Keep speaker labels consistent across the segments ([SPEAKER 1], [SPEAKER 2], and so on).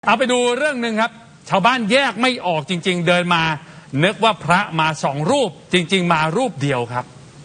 [SPEAKER 1] เอาไปดูเรื่องหนึ่งครับ ชาวบ้านแยกไม่ออกจริงๆเดินมานึกว่าพระมาสองรูปจริงๆมารูปเดียวครับ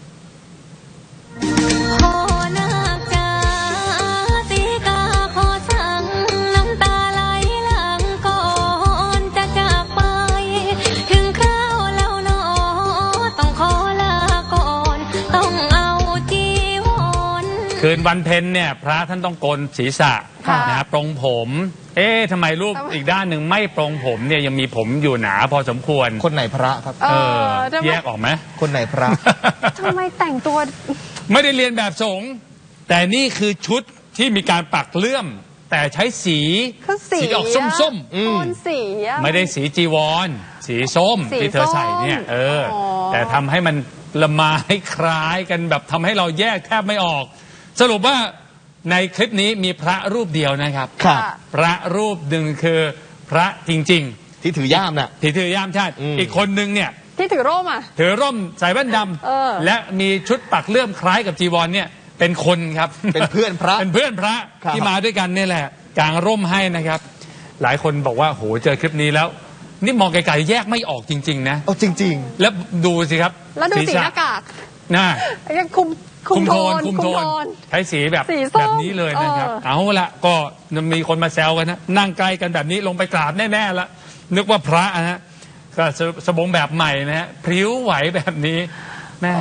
[SPEAKER 1] คืนวันเพ็ญเนี่ยพระท่านต้องโกนศีรษะนะปรงผมทำไมรูปอีกด้านหนึ่งไม่ปรงผมเนี่ยยังมีผมอยู่หนาพอสมควร
[SPEAKER 2] คนไหนพระครับ
[SPEAKER 1] แยกออกไหม
[SPEAKER 2] คนไหนพระ
[SPEAKER 3] ทำไมแต่งตัว
[SPEAKER 1] ไม่ได้เรียนแบบสงฆ์แต่นี่คือชุดที่มีการปักเลื่อมแต่ใช้สีออกส้มๆไม่ได้สีจีวรสีส้มที่เธอใส่เนี่ยแต่ทำให้มันละไม้คล้ายกันแบบทำให้เราแยกแทบไม่ออกสรุปว่าในคลิปนี้มีพระรูปเดียวนะครับพระรูปหนึ่งคือพระจริง
[SPEAKER 2] ๆที่ถือย่ามน่ะ
[SPEAKER 1] ที่ถือย่ามใช่อีกคนนึงเนี่ย
[SPEAKER 3] ที่ถือร่ม
[SPEAKER 1] ถือร่มใส่แว่นดำและมีชุดปักเลื่อมคล้ายกับจีวรเนี่ยเป็นคนครับ
[SPEAKER 2] เป็นเพื่อนพระ
[SPEAKER 1] เป็นเพื่อนพระที่มาด้วยกันนี่แหละกางร่มให้นะครับหลายคนบอกว่าโหเจอคลิปนี้แล้วนี่มองไกลๆแยกไม่ออกจริงๆนะ
[SPEAKER 2] จริงๆ
[SPEAKER 1] แล้วดูสิครับ
[SPEAKER 3] แล้วดูสีหน้ากากยังคุมโทน
[SPEAKER 1] ใช้สีแบบนี้เลยนะครับเอาละก็มีคนมาแซวกันนะนั่งใกล้กันแบบนี้ลงไปกราบแน่ๆละนึกว่าพระนะฮะก็สบงแบบใหม่นะฮะพริ้วไหวแบบนี้แม่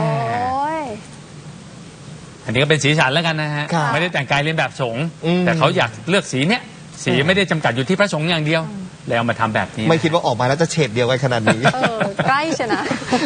[SPEAKER 1] อันนี้ก็เป็นสีสันแล้วกันนะฮะไม่ได้แต่งกายเลียนแบบสงฆ์แต่เขาอยากเลือกสีเนี้ยสีไม่ได้จำกัดอยู่ที่พระสงฆ์อย่างเดียวแล้วมาทำแบบนี้
[SPEAKER 2] ไม่คิดว่าออกมาแล้วจะเฉดเดียวกันขนาดนี้
[SPEAKER 3] ใกล้ใช่นะ